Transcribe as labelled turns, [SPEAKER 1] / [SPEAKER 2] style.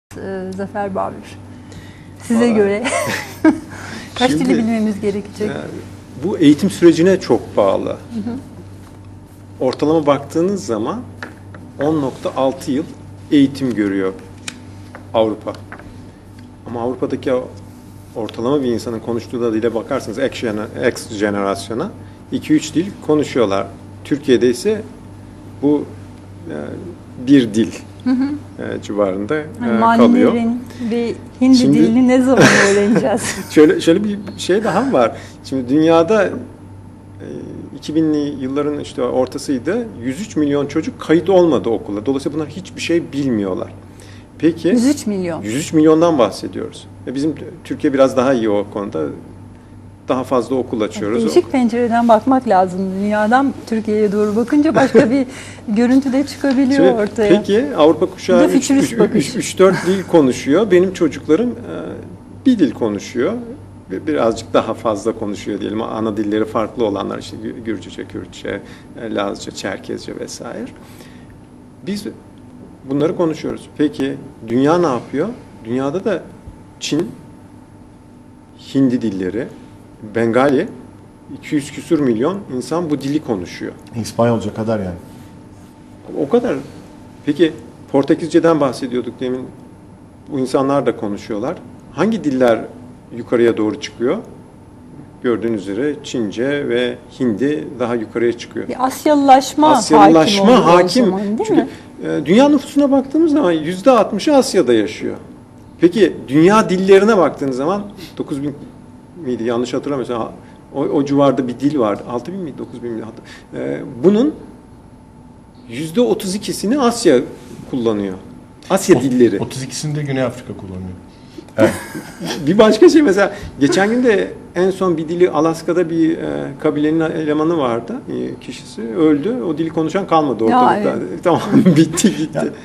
[SPEAKER 1] Zafer Barbur. Size göre kaç dili bilmemiz gerekecek?
[SPEAKER 2] Bu eğitim sürecine çok bağlı. Ortalama baktığınız zaman 10,6 yıl eğitim görüyor Avrupa. Ama Avrupa'daki ortalama bir insanın konuştuğu da dile bakarsanız X jenerasyona 2-3 dil konuşuyorlar. Türkiye'de ise bu bir dil civarında kalıyor.
[SPEAKER 1] Mandarin ve Hindi dilini ne zaman öğreneceğiz?
[SPEAKER 2] şöyle bir şey daha var. Şimdi dünyada 2000'li yılların işte ortasıydı. 103 milyon çocuk kayıt olmadı okula. Dolayısıyla bunlar hiçbir şey bilmiyorlar. Peki
[SPEAKER 1] 103 milyon.
[SPEAKER 2] 103 milyondan bahsediyoruz. Bizim Türkiye biraz daha iyi o konuda. Daha fazla okul açıyoruz.
[SPEAKER 1] Değişik pencereden bakmak lazım. Dünyadan Türkiye'ye doğru bakınca başka bir görüntü de çıkabiliyor
[SPEAKER 2] şimdi,
[SPEAKER 1] ortaya.
[SPEAKER 2] Peki Avrupa kuşağı 3-4 dil konuşuyor. Benim çocuklarım bir dil konuşuyor. Birazcık daha fazla konuşuyor diyelim. Ana dilleri farklı olanlar işte Gürcüce, Kürtçe, Lazca, Çerkezce vesaire. Biz bunları konuşuyoruz. Peki dünya ne yapıyor? Dünyada da Çin, Hindi dilleri, Bengali, 200 küsur milyon insan bu dili konuşuyor.
[SPEAKER 3] İspanyolca kadar yani.
[SPEAKER 2] O kadar. Peki Portekizce'den bahsediyorduk demin. Bu insanlar da konuşuyorlar. Hangi diller yukarıya doğru çıkıyor? Gördüğünüz üzere Çince ve Hindi daha yukarıya çıkıyor.
[SPEAKER 1] Bir Asyalılaşma hakim
[SPEAKER 2] zaman,
[SPEAKER 1] değil
[SPEAKER 2] çünkü
[SPEAKER 1] mi?
[SPEAKER 2] Dünya nüfusuna baktığımız zaman %60'ı Asya'da yaşıyor. Peki dünya dillerine baktığınız zaman 9.000 miydi yanlış hatırlamıyorsam o civarda bir dil vardı. 6.000 miydi 9.000 miydi? Bunun %32'sini Asya kullanıyor. Asya dilleri.
[SPEAKER 3] 32'sini de Güney Afrika kullanıyor. Evet.
[SPEAKER 2] Bir başka şey mesela geçen gün de en son bir dili Alaska'da bir kabilenin elemanı vardı. Kişisi öldü. O dili konuşan kalmadı ortalıkta.
[SPEAKER 1] Evet.
[SPEAKER 2] Tamam bitti gitti.